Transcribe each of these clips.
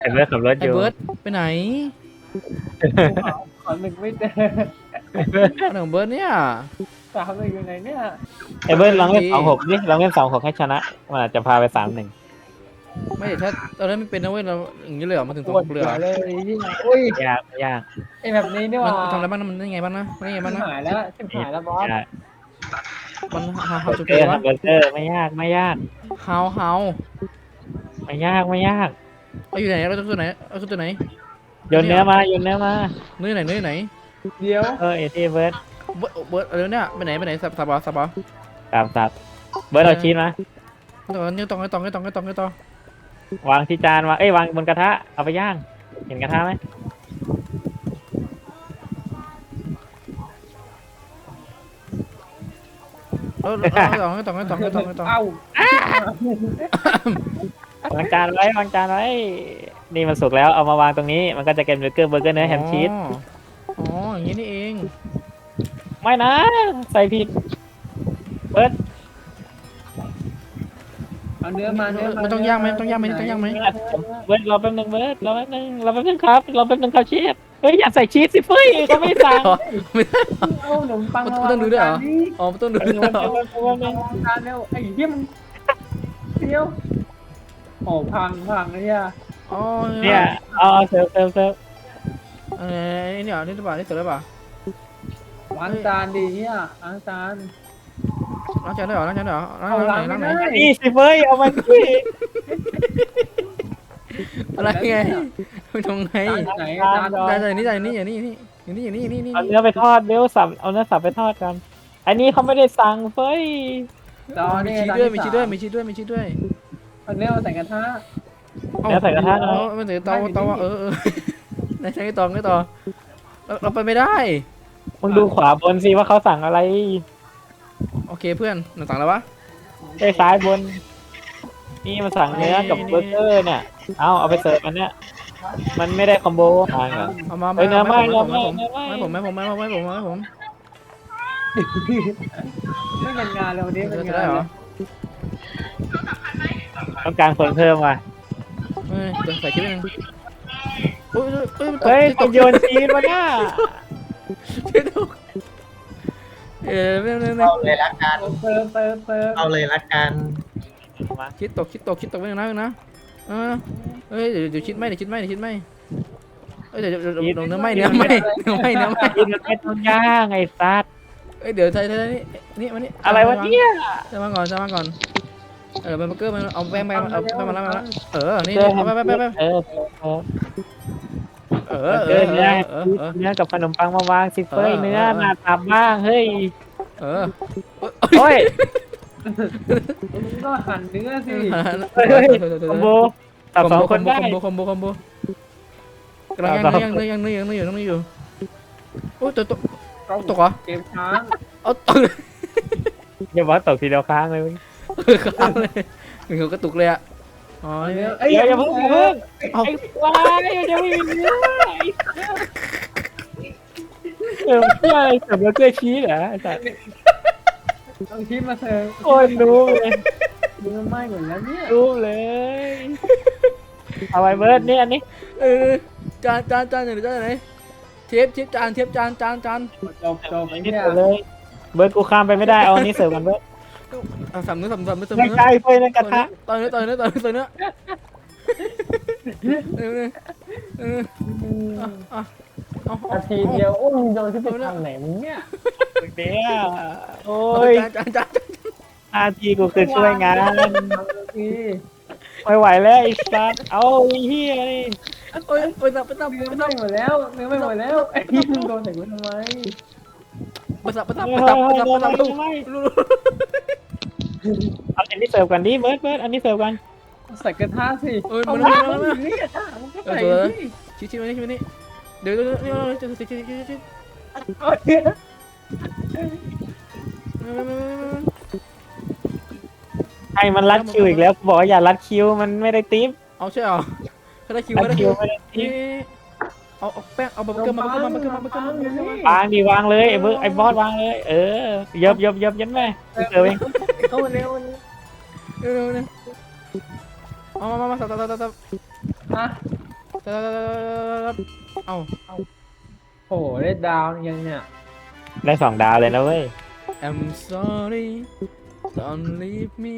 ไอ้เบิร์ดขับรถไอ้อยู่เบิร์ดไปไหนขอหนึ่งไม่เจออันของเบิร์ดเนี่ยสามหนึ่งอยู่ไหนเนี่ยไอ้เบิร์ดลองเล่น26ดิลองเล่น26ให้ชนะมันอาจจะพาไป3-1 ไม่ถ้าตอนนั้นไม่เป็นนะเว้ยเราอย่างนี้เลยเหรอมาถึงปสอวดงหัเรือวเลยที่ไหนอุ้ยยากยากไอแบบนี้นี่หมัว่านทำอะไรบ้างนะมันได้ไงบ้างนะมันได้ไงบ้างนะหายแล้วชิบหายแล้วบอสยากมันเฮาจุดเบเดีอยวร์วะทำเบอร์เกอร์ไม่ยากไม่ยากเฮาไม่ยากไม่ยากเอาอยู่ไหนเราตัวไหนเอาตัวไหนโยนเนื้อมาโยนเนื้อมาเนื้อไหนเดี๋ยวเอที่เบิร์ดเบิร์ดอะไรเนี่ยไปไหนสับสับสับเบิร์ดเอาชีสมาต่อนี่ต่อวางที่จานวางวางบนกระทะเอาไปย่างเห็นกระทะไหมต่อเอ้าวางจานไว้วางจานไว้นี่มันสุกแล้วเอามาวางตรงนี้มันก็จะเป็นเบอร์เกอร์เนื้อแฮมชีสอ๋ออย่างนี้นี่เองไม่นะใส่ผิดเบิร์ดเอาเนื้อมาเนื้อมาไม่ต้องย่างไหมต้องย่างไหมเบิร์ดรอแป๊บนึงเบิร์ดรอแป๊บนึงครับเชฟเฮ้ยอย่าใส่ชีสสิเฟ้ยเขาไม่สั่งไม่ได้เอาขนมปังมันต้องดูด้วยเหรอ อ๋อต้องดูด้วยเหรอทานเร็วไอ้เหี้ยมันเดียวโอ้พังเนี่ยอ๋อเนี่ยเอาเสิร์ฟนี่เหรอนี่หรือเปล่านี่เสร็จแล้วเปล่าล้างจานดีเนี่ยล้างจานล้างจานได้เหรอล้างไหนล้างไหนนี่สิเฟ้ยเอามาสิอะไรไงไม่ตรงไหนไหนจานนี่อย่างนี้เอาเนื้อไปทอดเดี๋ยวเอาเนื้อสับไปทอดกันอันนี้เขาไม่ได้สั่งเฟ้ยจอมีเนี่ยชีสด้วยเอาเนื้อมาใส่กระทะเนื้อใส่กระทะหน่อยไม่ถึงเตาในใช้ต่อเราไปไม่ได้มึงดูขวาบนสิว่าเขาสั่งอะไรโอเคเพื่อนหนังสั่งแล้ววะไอ้ซ้ายบนนี่มาสั่งเนื้อกับเบอร์เกอร์เนี่ยเอาไปเสิร์ฟอันเนี้ยมันไม่ได้คอมโบทางอ่ะเอามาเนื้อไม่ผมไม่เป็นงานเลยวันนี้เป็นจะงาได้นเหรอต้องการคนเพิ่มว่ะจะใส่ชิ้นนึงเฮ้ยตกโยนชีสมาเนี่ยไม่เอาเลยละกันเติมเอาเลยละกันคิดตกไม่นะเฮ้ยเดี๋ยวคิดไม่เดี๋ยวเนื้อไม่ชีสมันไม่ต้องย่างไอ้ซัดเอ้ยเดี๋ยวใส่นี่มานี่อะไรวะเนี่ยจะมาก่อนเบอร์เกอร์มันเอาแป้งมาแล้วนี่ไปเนื้อกับขนมปังมาวางสิเฟ้ยเนื้อหน้าตับบ้างเฮ้ย โอ้ยก็หั่นเนื้อสิคอมโบตับสองคนได้คอมโบกำลังยังอยู่โอ้ยตกเหรอเกมช้างเอาตกอย่าบอกตกทีเดียวค้างเลยค้างเลยเหมือนเขากระตุกเลยอ่ะอ๋อนี่อย่าเพิ่งไอ้ควายยังไม่มีเนื้อเพื่ออะไรเสิร์ฟเบอร์เกอร์ชีสเหรอไอ้สัสเอาชิ้นมาเสิร์ฟโอ้ยรู้เลยเนื้อไหม้หมดแล้วเนี่ยรู้เลยเอาไว้เบิร์ดนี่อันนี้จานไหนเทียบจานจบไอ้เนี่ยเลยเบิร์ดกูข้ามไปไม่ได้เอาอันนี้เสิร์ฟกันเบิร์ดสับเนื้อไม่ใช่เฟ้ยในกระทะต่อยเนื้อเอานาทีเดียวโอ้ยโดนที่ไปทางไหนมึงเนี่ยเดี๋ยวโอ้ยจานอาทีกูคือช่วยงานทีไม่ไหวแล้วไอ้สัสเอาไอ้เหี้ยนี่โอ้ยไปตับเนื้อไหม้หมดแล้วเนื้อไหม้หมดแล้วไอ้ที่มึงโดนใส่กูทำไมเอาอันนี้เสิร์ฟกันดิเบิร์ดอันนี้เสิร์ฟกันใส่กระทะสิเอ้ยเอามันมามันนี่กระทะมันก็ใส่สิชิ้นนี้เดี๋ยวจะใส่ชิ้นเอาเนี่ยให้มันรัดคิวอีกแล้วบอกว่าอย่ารัดคิวมันไม่ได้ติ๊บเอาใช่เหรอเขาได้คิวรัดคิวไม่ได้ติ๊บเอาแป้งเอาเบอร์เกอร์มาวางดิวางเลยไอ้เบิร์ดไอ้บอสวางเลยเยิบยันแม่เสิร์ฟเองเข้ามาเร็วเร็วเอามาสับฮะเอ้าโอ้โหได้ดาวยังเนี่ยได้2 ดาวเลยนะเว้ย I'm sorry don't leave me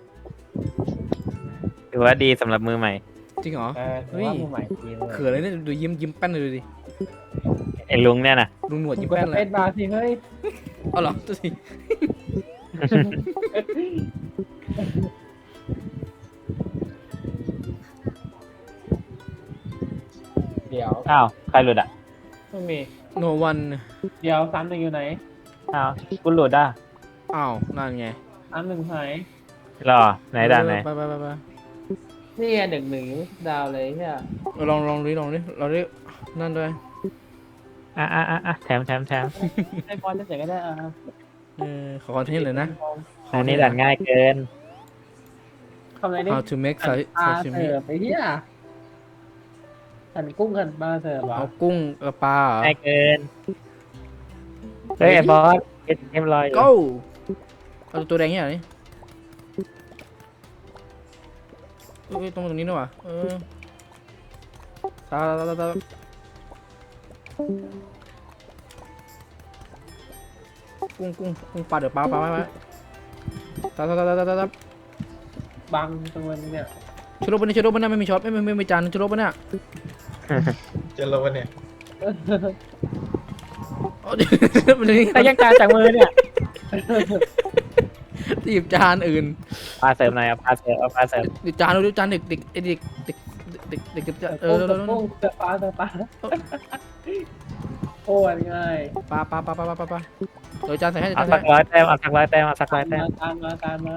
ถือว่าดีสำหรับมือใหม่จริงเหรอถือว่ามือใหม่ทีเลยเขินเลยเนี่ยดูยิ้มแป้นเลยดูดิไอ้ลุงเนี่ยนะลุงหนวดยิ้มกดแป้สนเลเปยซบาร์สิเฮ้ยเอาเหรอตัวสิเดี๋ยวอ้าวใครหลุดอ่ะไม่มีโนวันเดี๋ยวซ้ำหนึ่งอยู่ไหนอ้าวกูหลุดอ่ะอ้าวนั่นไงซ้ำหนึ่งหายรอไหนด่านไหนไปนี่ไง1-1ดาวเลยใช่ไหมลองดิเราได้นั่นด้วยอ่ะแถมให้พอจะเสร็จก็ได้อ่ะขอคอนเทนต์เลยนะอันนี้ด่านง่ายเกินทำอะไรนี่ How to make ปลา sashimi เสิร์ฟไปเฮียหั่นกุ้งหั่นปลาเสิร์ฟเหรอเอากุ้งกับปลาเหรอง่ายเกิน เฮ้ยไอ้บอสเอ็มลอยอยู่ go เอาตัวแดงเนี่ยเหรอนี่ตรงนี้ด้วยว่ะตากุ้งปลาเดี๋ยวปลาตาบังตัวนี้เนี่ยชุดรบเนี่ยไม่มีช็อตไม่มีจานชุดรบเนี่ยจะลงวันเนี่ยมันนี่แต่ยังการจากมือเนี่ยหยิบจานอื่นปลาเสริมหน่อยเอาปลาเสริมหยิบจานดูจานเด็กเสิร์ฟกุ้งเสิร์ฟปลาเสิร์ฟปลาโอ้ยง่ายปลาเดี๋ยวจานใส่ให้เอาสัก100 แต้มเอาสัก100 แต้มตามมา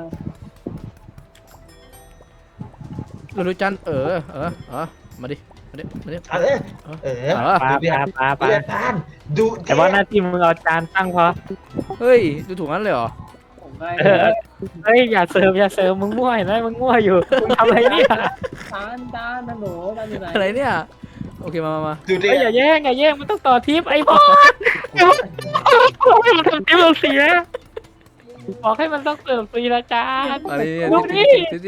ดูจานมาดิอะไรปลาดูดิปลาเรียนทานดูแต่ว่าหน้าที่มึงเอาจานตั้งพอเฮ้ยดูถูกงั้นเลยเหรอผมง่ายเฮ้ยอย่าเสริมมึงมั่วเห็นไหมมึงมั่วอยู่มึงทำอะไรเนี่ยจานนะหนูจานอยู่ไหนอะไรเนี่ยโอเคมาดูดิเฮ้ยอย่าแย่งมันต้องต่อทิปไอ้บอสบอกให้มันทำทิปเราเสียบอกให้มันต้องเสริมฟรีละจานอะไรเนี่ยดูดิ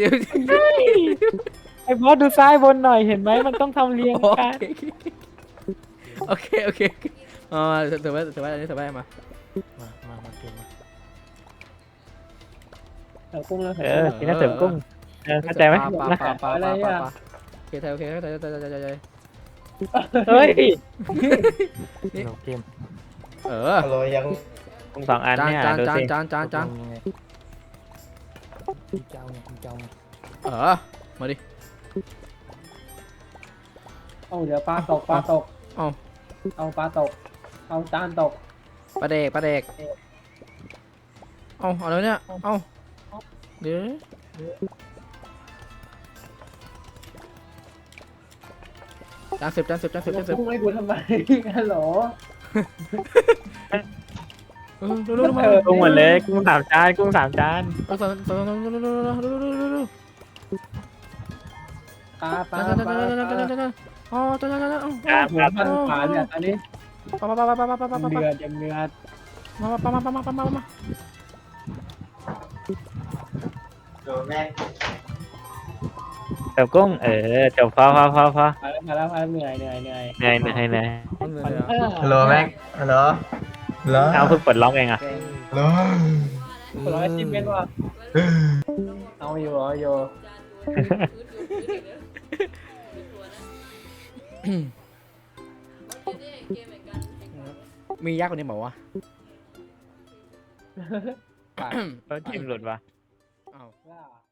ไอ้บอสดูซ้ายบนหน่อยเห็นไหมมันต้องทำเรียงกันโอเคเถอะไว้อันนี้เถอะไว้มาเกมมาเสิร์ฟกุ้งแล้วกินน้ำเสริมกุ้งเข้าใจไหมปลาโอเคเข้าใจเฮ้ยฮัลโหลยังกุ้ง2 อันเนี่ยดูสิจานมาดิเอาเดี๋ยวปลาตกเอาปลาตกเอาจานตกปลาเด็กเอาอะไรเนี่ยเอาเดี๋ยวจานเสิร์ฟกุ้งให้กูทำไมฮัลโหลมากุ้งหมดเลยกุ้ง3 จานกุ้ง3 จานปลาอ๋อจานพันขาเนี่ยอันนี้ปลาเดือดยังเดือดมาโดนแม่งเสริมกุ้งจบพอมาแล้วเหนื่อยเหนื่อยฮัลโหลแม่งฮัลโหลฮัลโหลเอาเพิ่งปลดล็อกเองอ่ะฮัลโหลร้อยจิ้มเป็นว่าเอาอยู่มียากกว่านี้บอกว่าจิ้มหลุดวะอ้าวว่า